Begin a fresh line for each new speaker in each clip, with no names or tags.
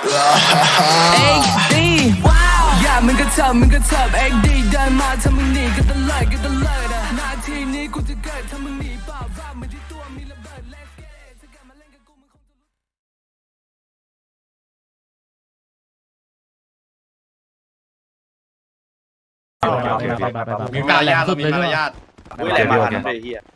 XD อย่ามึงก็เถิบ XD เดินมาถ้ามึงหนีก็ตะเลิดนาทีนี้กูจะเกิดถ้ามึงหนีเปล่าว่ามันที่ตัวมีระเบิด Let's get it ถ้ากลับมาเล่นกับกูมึงคงจะ
มีมารยาทมีมารยาทอุ้ยแหลมมาทันเลยเฮีย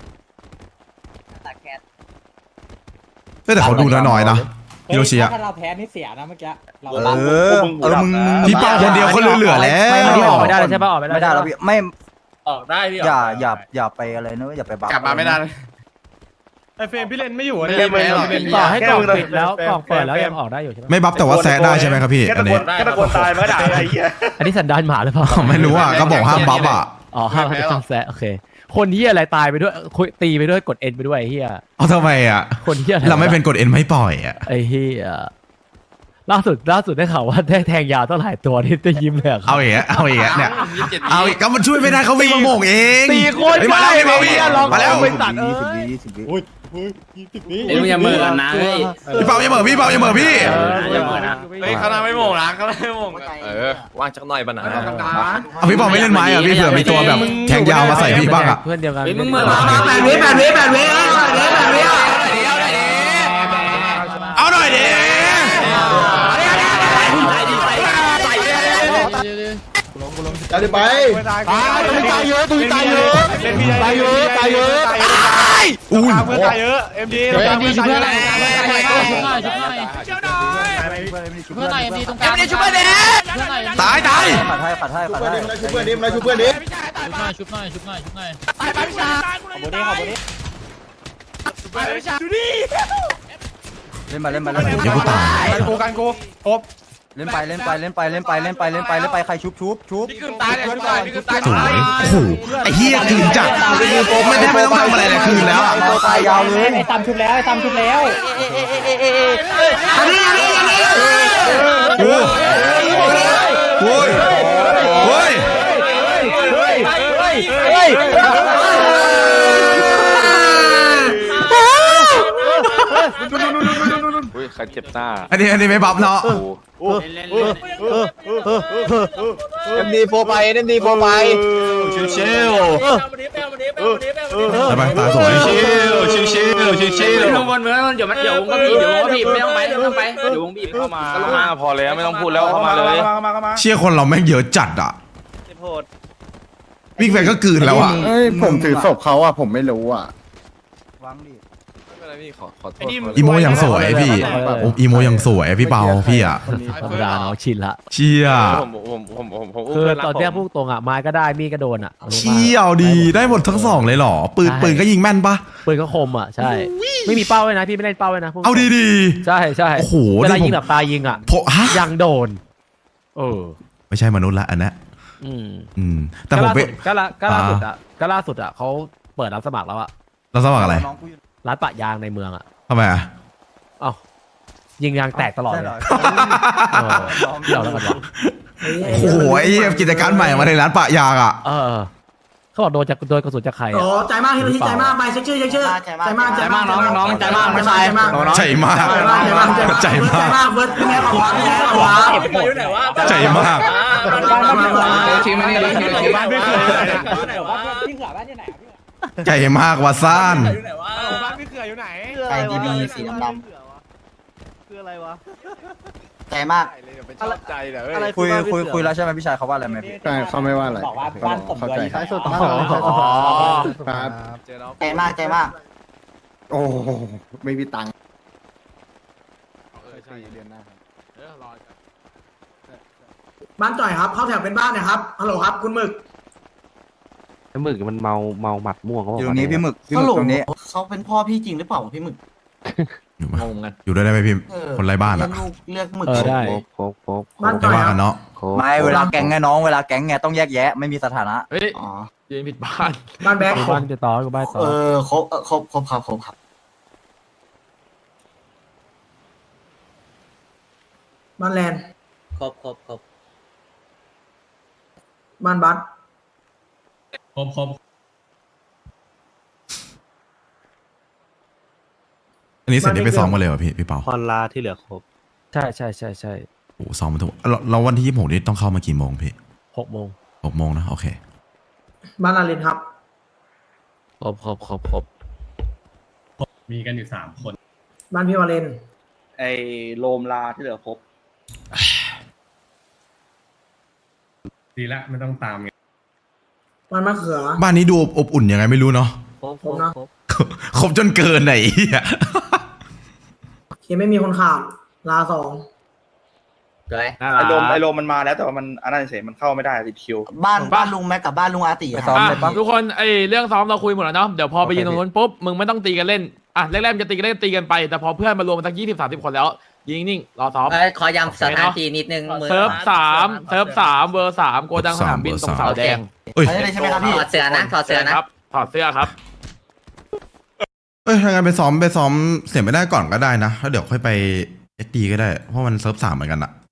แต่เขาดูน้อยๆนะฮิโรชิอะ
ถ้าเราแพ้นี่เสียนะเมื่อกี้เรา
มึงพี่เป้าคนเดียวเขาเหลือๆแล้ว
ไม่ออกไม่ได้เลยใช่ป่ะออกไม่ได้
ไม่ได้แล้วพี่ไม่
ออกได้พี่
อย่าไปอะไรนะอย่าไปบัฟ
กลับมาไม่ได้
ไอเฟรมพี่เล่นไม่อยู่
เล่นไม่หรอก
ต่อให้กล่องปิดแล้วกล่องเปิดแล้วยังออกได้อยู่ใช่ไหม
ไม่บัฟแต่ว่าแซะได้ใช่ไหมครับพี่อันนี้
แค่ตะโกนตายมันก็ด่าไอ้เหี้ย
อันนี้สันดานหมาหรือเปล่า
ไม่รู้อ่ะก็บอกห้ามบัฟอ่ะ
อ๋อห้ามแซะโอเคคนที่อะไรตายไปด้วยตีไปด้วยกดเอ็นไปด้วยไอ้เหี้ย
เอาทำไมอ่ะ
คนที่อะไร
เราไม่เป็นกดเอ็นไม่ปล่อยอ่ะ
ไอ้เหี้ยล่าสุดได้ข่าวว่าได้แทงยาวเท่าไหร่ตัวที่ได้ยิ้มเลย
เอาอีกเนี่ยเอาอีกก็มันช่วยไม่ได้เขาวิ่งมาโมงเอง
ตีโคตร
มาแล้ว
ใกล้
มาวิ่งมาแล้ว
ไปตัด
20 วิ
เดี๋ยวอย่าเมื่อกันนะเฮ้ย
พี่เป้าอย่าเหม่อพี่
อย่าเมื่อนะเฮ้ยเขาทำไม่โมงนะเขาทำไม่โมง
ว่างจักหน่อยปะนะ
เอาพี่เป้าไม่เล่นไม้อ่ะพี่เผื่อมีตัวแบบแทงยาวมาใส่พี่บ้างอ่ะ
เพื่อนเดียวกัน
มึงเมื่อมา
8 วิ
เอาหน่อยดิ
จะไปตายเยอะตุ้ยตายเยอะเล่นพี่ตายเยอะ
อุ้ย
เพื่อนตายเยอะเอ็มดีเพื่อนอะไร
ตาย
ขัดให้
ชุบเพื่อนดิชุบเพื่อนดิ
เล่นไป
เดี๋ยวกูตาย
กันกูครบ
เล่นไปใครชุบ
ตายเลยตายพี่ก็ตาย
สวยโอ้โหไอ้เหี้ยคืนจัดไม่ต้องทำอะไรเลยคืนแล้วอ่ะ
ตัวตายยาวเลย
ไอ้ตามชุบแล้ว
โอ้ยโอ้ย
อุ้ยใครเจ็บหน้า
อันนี้ไม่บัฟเนาะ
เอ็มดีโฟไปชิว
ทำไมตาสวย
ลงบนเมืองเดี๋ยววงก็บีบไม่ต้องไปเดี๋ยววงบีบเข้ามา
ก็มาพอแล้วไม่ต้องพูดแล้วเข้ามาเลย
เชี่ยคนเราแม่งเยอะจัดอ่ะวิ่งไปก็กืนแล้วอ่ะ
ผมถือศพเขาอ่ะผมไม่รู้อ่ะ
วางดิ
ไม่เป็นไรพี่ขอโทษ
อีโมยังสวยพี่อีโมยังสวยพี่เปาพี่อ่ะ
ธรรมดาเนาะชินละ
เชี่ย
ผม
คือตอนเนี้ยพูดตรงอ่ะไม้ก็ได้มีดก็โดนอ่ะ
เชี่ยวดีได้หมดทั้งสองเลยเหรอปืนก็ยิงแม่นปะ
ปืนก็คมอ่ะใช่ไม่มีเป้าเลยนะพี่ไม่เล่นเป้าเลยนะ
เอาดี
ใช่
โอ้โห
เวลายิงแบบตายิงอ่ะ
ฮะ
ยังโดน
ไม่ใช่มนุษย์ละอันนี้แต่ผมไป
ก็ล่าสุดอ่ะเขาเปิดรับสมัครแล้วอ่ะ
เราสมัครอะไร
ร้านปะยางในเมืองอ่ะ
ทำไมอ่ะ
เอ้ายิงยางแตกตลอดเลยเดี๋ยวแล้วกันวะ
โอ้โหไอ้กิจการใหม่มาในร้านปะยางอ่ะ
เขาบอกโดนกระสุนจากใคร
โอ้ใจมากฮิโรชิใจมากไปเช็คชื่อใจมากน้องใจมากไม่ใช่ใจมาก
ใจมากเ
บิร์ดแม่บอกว่า
อยู่ไหนวะ
ใจมาก
ชิมไม่ได้ชิมบ้านไม่เคย
พี่เขือบ้านที่ไหนพี่
ใจมากว่าซ่าน
อยู่ไหนวะ
บ้านพี่เขืออยู่ไหน
ไอดีบีสีดำ
คืออะไรวะ
ใจมาก
ชอบใจเดี๋ยว
คุยแล้วใช่ไหมพี่ชายเขาว่าอะไรไหมพี่
ใช่เขาไม่ว่าอะไร
บอกว่าบ้านผมด้วย
ท้ายสุดครับ
ใจมาก
โอ้ไม่มีตังค์
บ้านจ่อยครับเข้าแถวเป็นบ้านนะครับฮัลโหลครับคุณหมึก
หมึกมันเมาหมัดม่วงเขาบอก
อยู่นี้พี่หมึกตรงนี้
เขาเป็นพ่อพี่จริงหรือเปล่าพี่หมึก
งงกัน
อยู่ด้วยได้ไหมพี่คนไร้บ้านอ่ะ
เลือกหมึก
ได้
บ้าน
ไม่
จ่อย
ว่า
ค
กั
รับ
นเนาะ
ไม่เวลาแก๊งไงน้องเวลาแก๊งไงต้องแยกแยะไม่มีสถานะ
เฮ้ย
อ๋อ
ยืนผิดบ้าน
บ้านแบ็ค
บ้านจะต่อกับบ้านต่อ
ครบครับบ้านแลนด์
ครบ
บ้านบัส
อันนี้เสร็จนี่ไปซ้อมมาเลยเหรอพี่เปา
พอลาที่เหลือครบ
ใช่ใช่ใช่ใช่
โอ้ซ้อมมาทุกเราวันที่26นี่ต้องเข้ามากี่โมงพี่
6 โมง
6 โมงนะโอเค
บ้านอารินครับ
ครบ
มีกันอยู่3 คน
บ้านพี่วาเลน
ไอโลมลาที่เหลือครบ
ดีละไม่ต้องตามไง
บ้านมะเขือ
บ้านนี้ดูอบอุ่นยังไงไม่รู้เนาะ
ผมนะ
ครบจนเกินไหนอ่ะ
เคไม่มีคนขาดลา 2
น่า
ไอโลม
รัก
ไอโลมมันมาแล้วแต่ว่ามันอันนั้นเฉยมันเข้าไม่ได้ติดคิว
บ้านลุงแม็กกับบ้านลุงอาติ
ไปซ้อมเลยปะ
ทุกคนไอเรื่องซ้อมเราคุยหมดแล้วเนาะเดี๋ยวพอไปยืนตรงนู้นปุ๊บมึงไม่ต้องตีกันเล่นอ่ะแรกๆมันจะตีกันเล่นตีกันไปแต่พอเพื่อนมารวมกันสัก20-30 คนแล้วยิงนิ่งรอซ้อม
ขอย้ำสถานที่นิดนึง
เซิร์ฟ3เวอร์3โกดังสนามบินตรงเสาแดง
เอ้ย
ใช่ไหมครับพี่
ถอดเสื้อนะถอดเสื้อนะครับ
ถอดเสื้อครับ
เอ้ยถ้างั้นไปซ้อมเสียไม่ได้ก่อนก็ได้นะแล้วเดี๋ยวค่อยไป SD ก็ได้เพราะมันเซิร์ฟ3เหมือนกันอะ